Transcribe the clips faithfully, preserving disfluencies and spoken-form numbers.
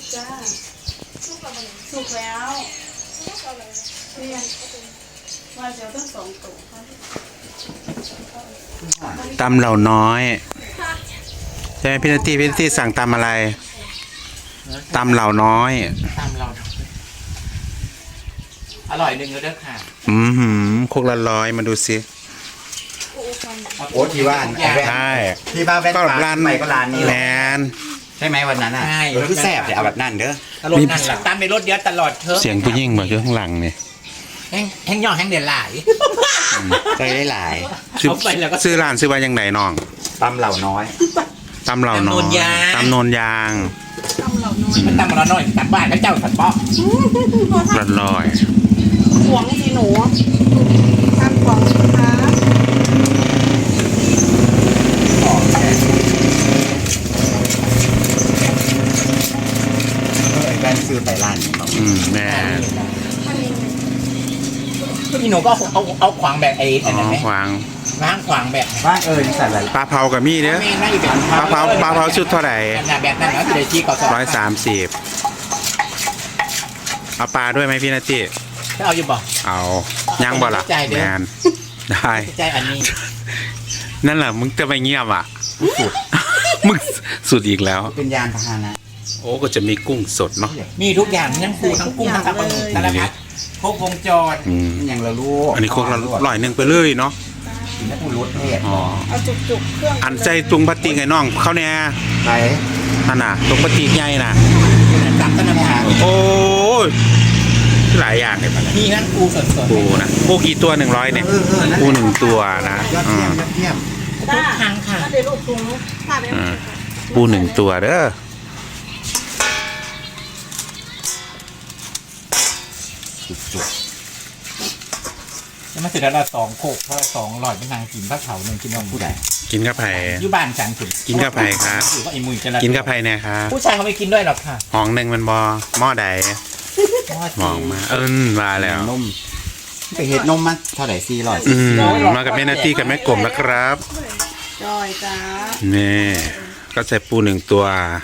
จ้าสุกแล้วเรียนว่าจะต้องสองตัวตำเหล่าน้อยใช่ไหมพี่นาทีพี่นาทีสั่งตำอะไรตำเหล่าน้อยตำเราอร่อยหนึ่งเลยเด้อค่ะอืมหืมโคกละร้อยมาดูสิโอ้ที่ว่าใช่ที่บ้านแว่นก็ตาร้านใหม่ก็ร้านนี้แมแหละนใช่ไหมวันนั้นอ่ะเออคือแซ่บเดี๋ยวเอาแบบนั้นเด้อตลอดนั่นแหละตำในรถเดียวตลอดเธอเสียงผู้หญิงบอกอยู่ข้างหลังเนี่ยแห้งแห้งย่อแห้งเดือดหลายใจได้หลายซื้อเอาไปแล้วก็ซื้อร้านซื้อว่ายังไงน้องตำเหล่าน้อยตำเหล่าน้อยตำโนนยางมันตำเราหน่อยตำบ้านก็เจ้าสันป๊อกละร้อยหวงสิหนูทำของสิคะเออไอ้แว่นซื้อไปร้านนี้บอกอืมแม่พี่หนูก็เอาเอาขวางแบบไอ้อ๋อันนั้นไหมอขวางล้างขวางแบบบ้านเออนี่ใส่อะไรปลาเผากับมี่เด้อแม่น่าอยู่แบบปลาเผาปลาเผาชุดเท่าไหร่แบบนั้นแล้วจะได้ชี้ก่อนร้อยสามสิบเอาปลาด้วยไหมพี่นาทีจะเอาอยู่บ่เอาย่างบ่ล่ะใจเด้อแมนได้ใจอันนี้นั่นแหละมึงจะไปเงียบอ่ะสุด มึงสุดอีกแล้วเป็นยานพาหนะโอ้ก็จะมีกุ้งสดเนาะมีทุกอย่างทั้งปูทั้งกุ้งทั้งปลาหมึกสารพัดครบวงจรอืมมันยังละลูกอันนี้โคกละร้อยหนึ่งไปเลยเนาะกินแล้วพูดรสเทศอ๋อเอาจุกๆเครื่องอันใจตุงปฏิกไอ้น้องเขาเนี่ยไหนนั่นน่ะตุงปฏิกใหญ่น่ะตำต้นน้ำตาลโอ้ยหลายอย่างเลยปะเนี่ยมีทั้งปูสดๆปูนะปูกี่ตัวหนึ่งร้อยเนี่ยเออเออนั่นแหละปูหนึ่งตัวนะยอดอืเยี่ยมมยอดเยี่ยมทุกครั้งค่ะถ้าเดี๋ยวลูกถุงถ้าไม่อืมปูหนึ่งตัวเด้อจุกแล้วมาเสร็จแล้วเราสองโคกเพราะสองหลอดเป็นนางกินพระเขาหนึ่งกินนมๆผู้ใดกินข้าวไผ่อยู่บ้านฉันถึงกินกับไผ่ครับหรือว่าไอ้มุยจะละกินข้าวไผ่เนี่ยครับผู้ชายเขาไม่กินด้วยหรอกค่ะห้องหนึ่งมันบอหม้อใดมองมา เอิ้นมาแล้วนมไปเห็ดนมมาเท่าไหร่สี่ร้อยอืมมากับแม่นาตี้กับแม่กลมนะครับจอยจ้านี่ก็ใส่ปูหนึ่งตัว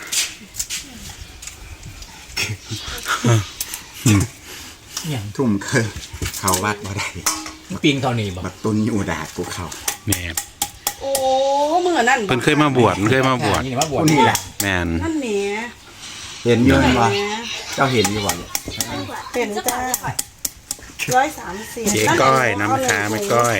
อย่างทุ่มเคยเขาวัดบ่ได้ปิงเท่านี้บอกบักตุนอยู่ดาดกูเขาแม่โอ้เมื่อนั่นเพิ่นเคยมาบวชเพิ่นเคยมาบวชนี่ว่าบวชผู้นี่แหละแม่นนั่นแหมเห็นอยู่นั่นแหมว่าเจ้าเห็นอยู่ว่าเนี่ยเป็นจ้าร้อยสามสิบเจ๊ก้อยน้ำค้าไม่ก้อย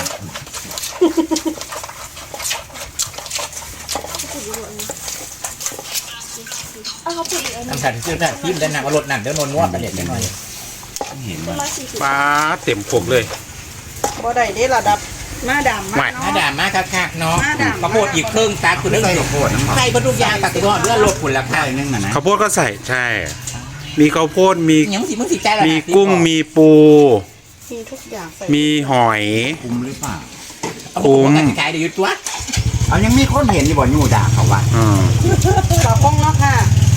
ทำฉันซื้อได้ทิมได้นางเอารถนั่นเดี๋ยวนนวดไปเด็ดหน่อยเห็นว่าป้าเต็มพวกเลยบ่ได้ได้ระดับหน้าดำไม่มากหน้าเนาะด่ามากคักๆเนาะหน้าด่ามากข้าวโพดอีกครึ่งตาคุณไม่เรื่องใส่ข้าวโพดน้ำมันใส่พทุกอย่างตัดตัวเรื่องลดผลราคาใช่นึงอ่ะนะข้าวโพดก็ใส่ใช่ มีข้าวโพดมีอย่างมึงสิมึงสิใจละมีกุ้งมีปูมีทุกอย่างใส่มีหอยคุ้มหรือเปล่าคุ้มขายเดี๋ยวยุดตัวเอายังมีคนเห็นอยู่บ่อยู่ดาเขาวัดอืมต่อห้องเนาะค่ะ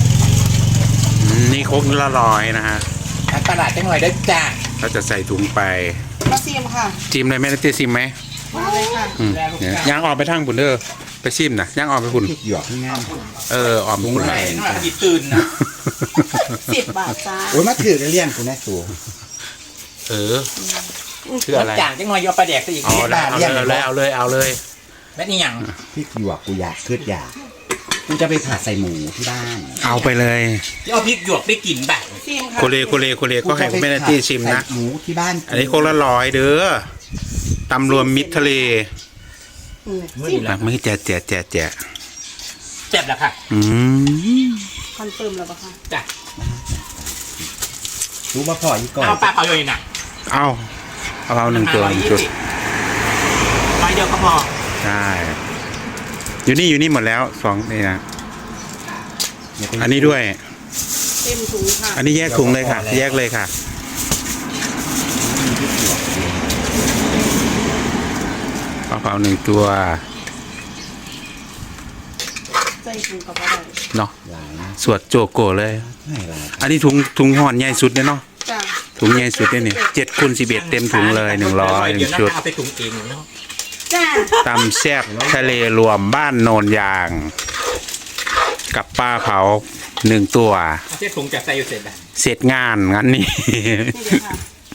นี่ครกละร้อยนะฮะตลาดจังหน่อยได้จ้าก็จะใส่ถุงไปมาซิมค่ะจิ้มเลยแม่นาตี้ซิมไหมมาเลยค่ะอืมเนี่ยย่างออกไปทางบุนเด้อไปซิมนะย่างออกไปบุนพริกหยวกที่งามเออออมบุญใช่หน่อยหยิบตื่นนะสิบบาทจ้าโอ้ยมาถือกันเลี้ยงกูแน่สูเออคืออะไรจ่างจังหน่อยยอปลาแดกซะอีกเอาเลยเอาเลยเอาเลยเอาเลยแม่นี่ยังพริกหยวกกูอยากคืดอยากกูจะไปผัดใส่หมูที่บ้านเอาไปเลยที่เอาพริกหยวกไปกินแบบซิมค่ะโคเลโคเลโคเลก็ให้แม่นาตี้ชิมนะใส่หมูที่บ้านอันนี้โคกละร้อยเด้อตำรวมมิตรทะเลอืมมือซิมแล้อ่ะวมือแจกแจกแจกแจกเจ็บแล้วค่ะอืมคอนเฟิร์มแล้วปะคะจ้ะรู้มาพออีกก่อนเอาปลาเผาอยู่น่ะเอาเอาเอาหนึ่งตัวหนึ่งจุดร้อยเดียวก็พอใช่อยู่นี่อยู่นี่หมดแล้วสองนี่นะอันนี้ด้วยเต็มถุงค่ะอันนี้แยกถุงเลยค่ะ แยกเลยค่ะปลาเผาหนึ่งตัวใส่ถุงกับอะไรเนาะหลายนะสวดโจโกเลยไม่หลายอันนี้ถุงถุงห่อนใหญ่สุดเนี่ยเนาะจ้าถุงใหญ่สุดเนี่ยนี่เจ็ดคูณสิบเอ็ดเต็มถุงเลยหนึ่งร้อยหนึ่งชุดเอาไปถุงเองเนาะจ้าตำแซ่บทะเลรวมบ้านโนนยาง กับปลาเผาหนึ่งตัวเอาเส้นถุงจากใส่อยู่เสร็จอ่ะเสร็จงานงั้นนี่นี่เดี๋ยวค่ะ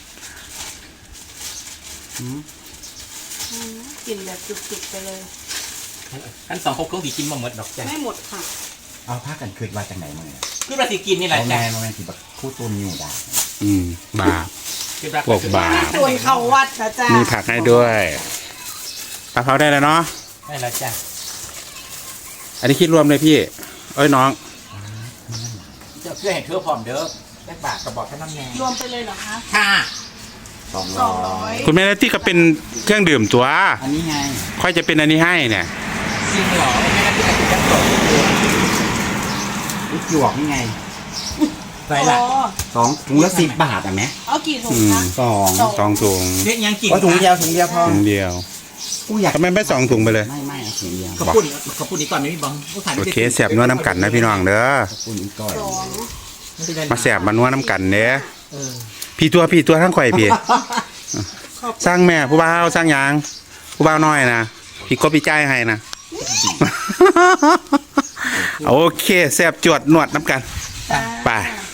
อืมกลิ่นแบบจุกๆไปเลยขั้นสองครบเครื่องสีกินมาหมดดอกจ้ะไม่หมดค่ะเอาผ้ากันคืนว่าจากไหนมาเนี่ยคือราศีกินนี่แหละเอาจ้ะแม่มาแม่ที่แบบคู่ตุนอยู่ด่าอืมบาปคือราพวกบาปส่วนเขาวัดนะจ๊ะมีผักให้ด้วยปลาเผาได้แล้วเนาะได้แล้วจ้ะอันนี้คิดรวมเลยพี่ เอ้ยน้องเจ้าเพื่อเห็นเพื่อพร้อมเด้อได้บาทกระบอกแค่น้ำแดงรวมไปเลยเหรอคะค่ะสองสร้องอร้อย ยคุณแม่นัตตี้ก็เป็นเครื่องดื่มตัวอันนี้ไงค่อยจะเป็นอันนี้ให้เนี่ยจริงเหรอไม่น่าที่จะติดกันต่อลูกหยวกนี่ไงไรล่ะอ๋อสองถุงละสิบบาทอ่ะแม่เอากี่ถุงอืมคะสองสองสองถุงเรียกยังกินก็ถุงเดียวถุงเดียวพอถุงเดียวกูอยากทำไมไม่สองถุงไปเลยไม่ไม่เอาถุงเดียวขอบคุณขอบคุณอีกก่อนไม่มีบังผู้ขายโอเคแสบนัวน้ำกันนะพี่น้องเด้อขอบคุณอีกก่อนสองมาแสบมานัวน้ำกันเด้อเออพี่ตัวพี่ตัวทั้งข่อยพี่ สร้างแม่ผู้บ่าวสร้างหยางผู้บ่าวน้อยนะพี่ก็พี่จ่ายให้นะ โอเคแสบจวดนวดน้ำกันจ้าไป